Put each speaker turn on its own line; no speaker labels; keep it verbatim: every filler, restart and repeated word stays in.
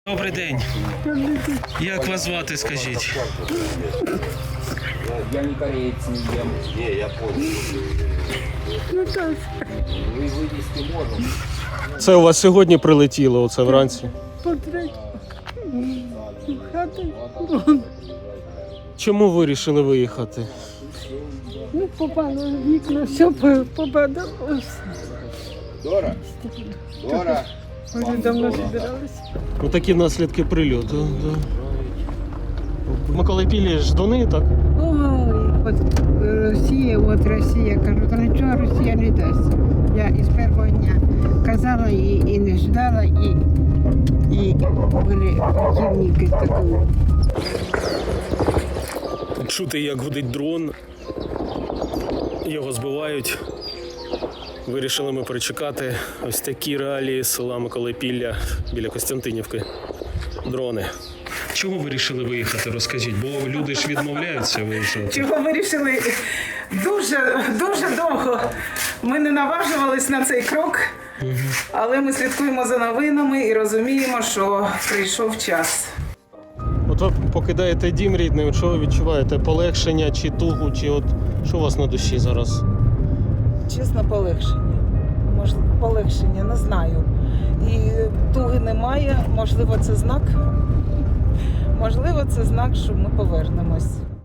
Добрий день. Як вас звати, скажіть?
Я не кореец, не ем.
Не, я понял.
Вы вывести можем.
Це у вас сьогодні прилетіло, оце вранці?
Потрать хати.
Чому ви вирішили виїхати?
Ну, попало в вікна, все попадало.
Дора? Дора?
Вони давно збиралися.
Ну такі наслідки прильоту. Да. Миколайпілі ждуни, так?
Ой, от Росія, от Росія, кажу, та нічого Росія не дасть. Я із першого дня казала і, і не ждала, і, і були противники такого.
Чути, як гудить дрон. Його збивають. Вирішили ми перечекати ось такі реалії села Миколайпілля біля Костянтинівки. Дрони. Чому ви вирішили виїхати, розкажіть? Бо люди ж відмовляються виїжджати.
Чого вирішили дуже, дуже довго. Ми не наважувались на цей крок, але ми слідкуємо за новинами і розуміємо, що прийшов час.
От ви покидаєте дім рідний, що ви відчуваєте? Полегшення чи тугу, чи от що у вас на душі зараз?
Чесно, полегшення. Можливо, полегшення, не знаю. І туги немає, можливо, це знак. Можливо, це знак, що ми повернемось.